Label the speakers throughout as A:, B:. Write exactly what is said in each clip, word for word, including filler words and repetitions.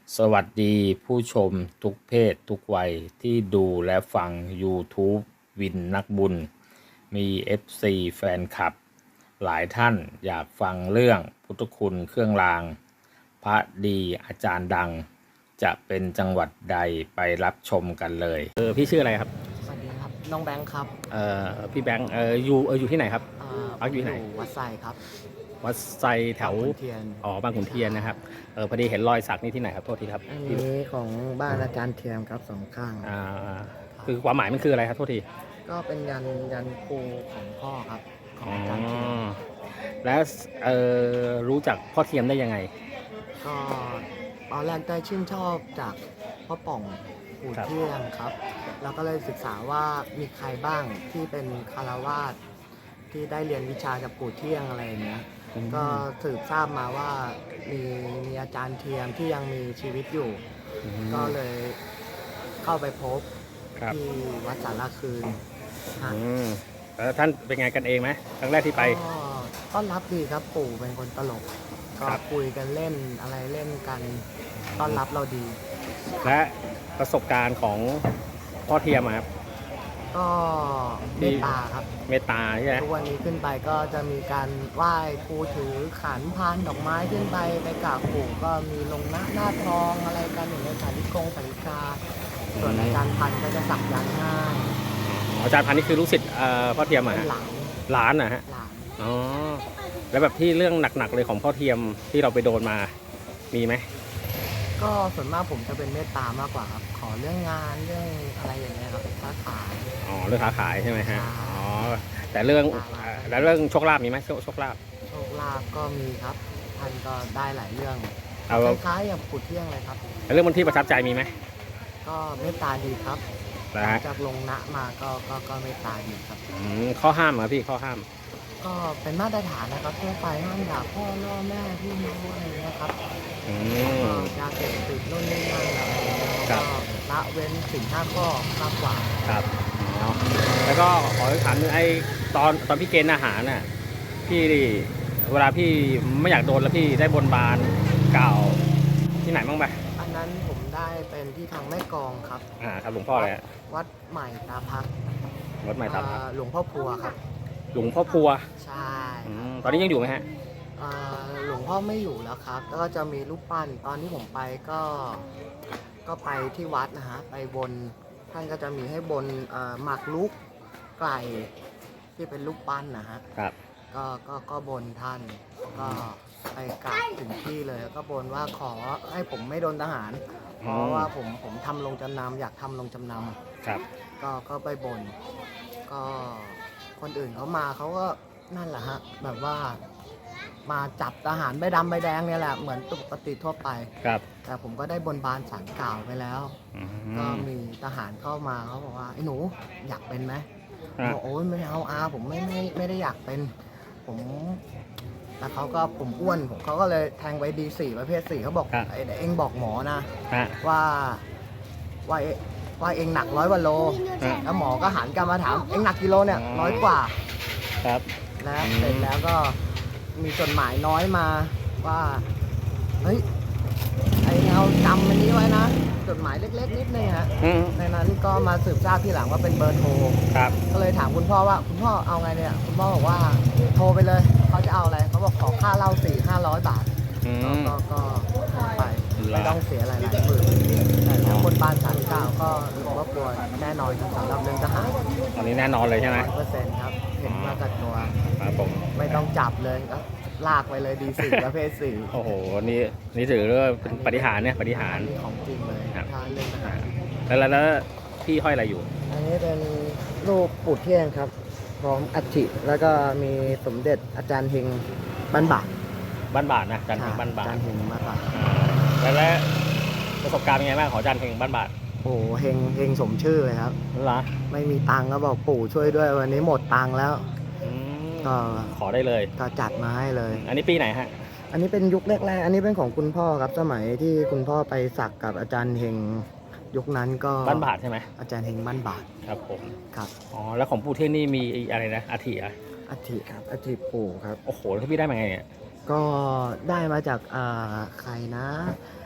A: สวัสดีผู้ชมทุกเพศทุกวัยที่ดูและฟัง YouTube วินนักบุญ มี เอฟ ซี แฟนคลับ หลายท่านอยากฟังเรื่องพุทธคุณเครื่องราง พระดีอาจารย์ดัง จะเป็นจังหวัดใดไปรับชมกันเลย
B: เออพี่ชื่ออะไรครับ
C: สวัสดีครับน้องแบงค์ครับ
B: เอ่อพี่แบงค์เอออยู่เอออยู่ที่ไหนครับ
C: อ่า
B: พักอยู่ที่ไหน
C: วัดไซครับ
B: วัดไซแถว
C: บางขุนเทียน
B: อ๋อบางขุนเทียนนะครับเออพอดีเห็นรอยสักนี่ที่ไหนครับโทษทีครับ
C: อัน
B: พี่
C: นี้ของบ้านอาจารย์เทียมครับสองข้าง
B: อ่าคือความหมายมันคืออะไรครับโทษที
C: ก็เป็นยันยันครูของพ่อครับของ
B: อ๋อ
C: อาจารย์เทียม
B: แล้วเออรู้จักพ่อเทียมได้ยังไง
C: ก็ตอนแรกได้ชื่นชอบจากพ่อป่องปู่
B: ครับ
C: เที่ยงครับ แล้วก็เลยศึกษาว่ามีใครบ้างที่เป็นคารวาสที่ได้เรียนวิชาจากปู่เที่ยงอะไรอย่างเงี้ย ก็สืบทราบมาว่ามีมีอาจารย์เทียมที่ยังมีชีวิตอยู่
B: อืม
C: ก็เลยเข้าไปพบ
B: ครับ
C: ที่วัดสารคืนฮะ
B: อืมแล้วท่านเป็นไงกันเองไหมครั้งแรกที่ไป
C: ก็ต้อนรับดีครับปู่เป็นคนตลก ก็
B: ครับ
C: คุยกันเล่นอะไรเล่นกันต้อนรับเราดี
B: และประสบการณ์ของพ่อเทียมอะครับ
C: ก็เมตตาครับ
B: เมตตาใช่ไหม
C: ทุกวันนี้ขึ้นไปก็จะมีการไหว้ครูถือขันพานดอกไม้ขึ้นไปไปกราบปู่ก็มีลงหน้าหน้าทองอะไรกันอย่างเงี้ยสาธิกงสาธิกาส่วนอาจารย์พันธุ์ก็จะสักยันต์ให้
B: อ๋ออาจารย์พันธุ์นี่คือลูกศิษย์เอ่อพ่อเทียมอะ
C: เป็น
B: ฮะ
C: หลาน
B: หลานนะฮะ
C: หลาน
B: อ๋อแล้วแบบที่เรื่องหนักๆเลยของพ่อเทียมที่เราไปโดนมามีไหม
C: ก็ส่วนมากผมจะเป็นเมตตามากกว่าครับ ขอเรื่องงานเรื่องอะไรอย่างเงี้ยครับค้าขาย
B: อ๋อเรื่องค้าขายใช่ไหมฮะ
C: ใช่
B: อ๋อแต่เรื่องเอ่อแล้วเรื่องโชคลาภมีไหมโชคโชคลาภ
C: โชคลาภก็มีครับท่านก็ได้หลายเรื่อง
B: เอา
C: คล้ายๆอย่างปู่เที่ยงเลยครับ
B: แล้วเรื่องมันที่ประทับใจมีไหม
C: ก็เมตตาดีครับ
B: นะฮะ
C: จากลงนะมาก็ก็ก็เมตตาดีครับ
B: อืมข้อห้ามเหรอพี่ข้อห้าม
C: ก็เป็นมาตรฐานนะครับทั่วไปห้ามด่าพ่อล่อแม่พี่น้องอะไรเงี้ยครับ
B: อื
C: ก็
B: ม
C: ยาเสพติดนู่นนี่นั่นอะไรเงี้ย
B: ครั
C: ก็
B: บ
C: ละเว้นสิ่งห้าข้อมากกว่า
B: ครับอ๋อแล้วก็ขอถามนึงไอ้ตอนตอนพี่เกณฑ์อาหารน่ะพี่เวลาพี่ไม่อยากโดนแล้วพี่ได้บนบานกล่าวที่ไหนบ้างไหม
C: อันนั้นผมได้เป็นที่ทางแม่กลองครับ
B: อ่าครับหลวงพ่ออะไรฮะ
C: วัดใหม่ตาพัก
B: วัดใหม่ตาม
C: อ่าหลวงพ่อพัวครับ
B: หลวงพ่อพัว
C: ใช่
B: อืมตอนนี้ยังอยู่ไหมฮะ
C: อ่าหลวงพ่อไม่อยู่แล้วครับแล้วก็จะมีรูปปั้นตอนที่ผมไปก็ก็ไปที่วัดนะฮะไปบนท่านก็จะมีให้บนเอ่อหมากลุกไก่ที่เป็นรูปปั้นนะฮะ
B: ครับ
C: ก็ก็ก็บนท่านก็ไปกราบถึงที่เลยแล้วก็บนว่าขอให้ผมไม่โดนทหาร เพราะว่าผมผมทำลงจำนำอยากทำลงจำน
B: ครับ
C: ำก็ก็ไปบน ก็คนอื่นเขามาเขาก็นั่นแหละฮะแบบว่ามาจับทหารใบดำใบแดงเนี่ยแหละเหมือนปกติทั่วไป
B: ครับ
C: แต่ผมก็ได้บนบานสารกล่าวไปแล้ว
B: อื
C: ก็
B: ม
C: มีทหารเข้ามาเขาบอกว่าไอ้หนูอยากเป็นไหม
B: อ่ะ
C: บอกโอ้ยไม่เอาอาผมไม่ไม่ไม่ได้อยากเป็น ผมแต่เขาก็ผมอ้วนผมเขาก็เลยแทงไว้ดีสี่ประเภทสี่เขาบอกไอ้เองบอกหมอนะ
B: ฮะ
C: ว่าว่าเอว่าเองหนักร้อยกว่าโล
B: ฮะ
C: แล้วหมอก็หันกลับมาถามเองหนักกิโลเนี่ย
B: อ๋อ
C: ร้อยกว่า
B: ครับ
C: แล้ว
B: อืม
C: เสร็จแล้วก็มีจดหมายน้อยมาว่าเฮ้ยไอเอาจำอันนี้ไว้นะจดหมายเล็กๆนิดนึงฮะ
B: อืม
C: ในนั้นก็มาสืบทราบทีหลังว่าเป็นเบอร์โทร
B: ครับ
C: ก็เลยถามคุณพ่อว่าคุณพ่อเอาไงเนี่ยคุณพ่อบอกว่าโทรไปเลยเขาจะเอาอะไรเขาบอกขอค่าเหล้าสี่ห้าร้อยบาท
B: อื
C: ก็
B: ม
C: ก็ก็ไป
B: เหรอ
C: ไม่ต้องเสียหลายหลายหมื่นแต่ถ้าคนบ้านสามเก้าก็หลวงพ่อกลัวแน่นอนสำหรับเรื่องทหาร
B: ตอนนี้แน่นอนเลยใช่ไหม
C: ร้อยเปอร์เซ็นต์ครับเห็นมากับตัว
B: ครับผม
C: ไม่ต้องจับเลยก็ลากไปเลยดีสี่ประเภทสี่
B: โอ้โหนี่นี่ถือว่าเป็นปฏิหารย์เนี่ยปฏิหารย์
C: นี่ของจริงเลย
B: ครับ
C: ถ้าเรื่องทหาร
B: แล้วแล้วแล้วพี่ห้อยอะไรอยู่
C: อันนี้เป็นรูปปู่เที่ยงครับพร้อมอัฐิแล้วก็มีสมเด็จอาจารย์เฮงบ้านบาท
B: บ้านบาทนะจันเฮงบ้านบา
C: อา
B: ท
C: จารย์เฮงบ้านบาท
B: อ่าแล้วแล้วประสบการณ์เป็นไงบ้างของจันเฮงบ้านบาท
C: โอ้โหเฮงเฮงสมชื่อเลยครับ
B: เหรอ
C: ไม่มีตังค์ก็บอกปู่ช่วยด้วยวันนี้หมดตังค์แล้ว
B: อืม
C: ก็
B: ขอได้เลย
C: ก็จัดมาให้เลย
B: อันนี้ปีไหนฮะ
C: อันนี้เป็นยุคแรกๆอันนี้เป็นของคุณพ่อครับสมัยที่คุณพ่อไปสักกับอาจารย์เฮงยุคนั้นก็
B: บ้านบาทใช่ไหม
C: อาจารย์เฮงบ้านบาท
B: ครับผม
C: ครับ
B: อ๋อแล้วของปู่เท่งนี่มีอะไรนะอาทิอ่ะ
C: อัฐิครับอัฐิปู่ครับ
B: โอ้โหแล้วพี่ได้มาไงเนี่ย
C: ก็ได้มาจากอ่าใครนะ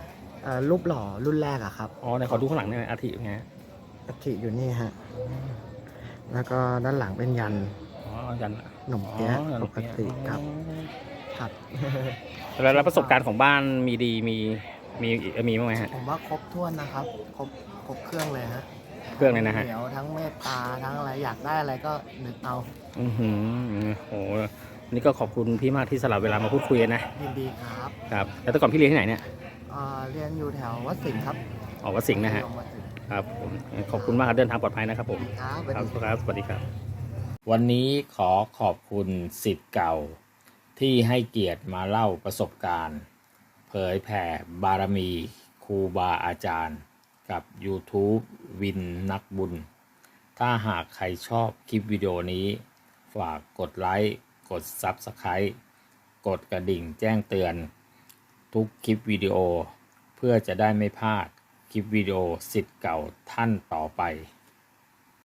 C: อ่ารูปหล่อรุ่นแรกอะครับ
B: อ๋อไหนขอดูข้างหลังหน่อยอาทิไงฮะ
C: อัฐิอยู่นี่ฮะ แล้วก็ด้านหลังเป็นยัน
B: อ๋อยัน
C: หนมเปี๊ยะ
B: อ๋อยัน
C: ปกติครับ ครับ
B: แล้วแล้วประสบการณ์ของบ้านมีดีมีมีมีบ้างไหมฮะ
C: ผมว่าครบถ้วนนะครับ ครบครบเครื่องเลยฮะ
B: เครื่องเลยนะฮะ
C: เหนียวทั้งเมตตาทั้งอะไรอยากได้อะไรก็นึกเอา
B: อือหือโหนี่ก็ขอบคุณพี่มากที่สละเวลามาพูดคุยกันนะ
C: ยินดีครับ
B: ครับแล้วแต่ก่อนพี่เรียนที่ไหนเนี่ย
C: อ่าเรียนอยู่แถววัดสิงห์ครับ
B: ออกวัดสิงห์นะฮะ
C: วัดสิงห์
B: ครับผมขอบคุณมากครับเดินทางปลอดภัยนะครับผม
C: ครับสวัส
B: ครับ
C: ดี
B: ครับสวัสดีครับ
A: วันนี้ขอขอบคุณศิษย์เก่า ที่ให้เกียรติมาเล่าประสบการณ์ เผยแผ่บารมีครูบาอาจารย์ กับ YouTube วินนักบุญ ถ้าหากใครชอบคลิปวิดีโอนี้ ฝากกดไลค์กด Subscribe กดกระดิ่งแจ้งเตือน ทุกคลิปวิดีโอ เพื่อจะได้ไม่พลาดคลิปวิดีโอศิษย์เก่าท่านต่อไป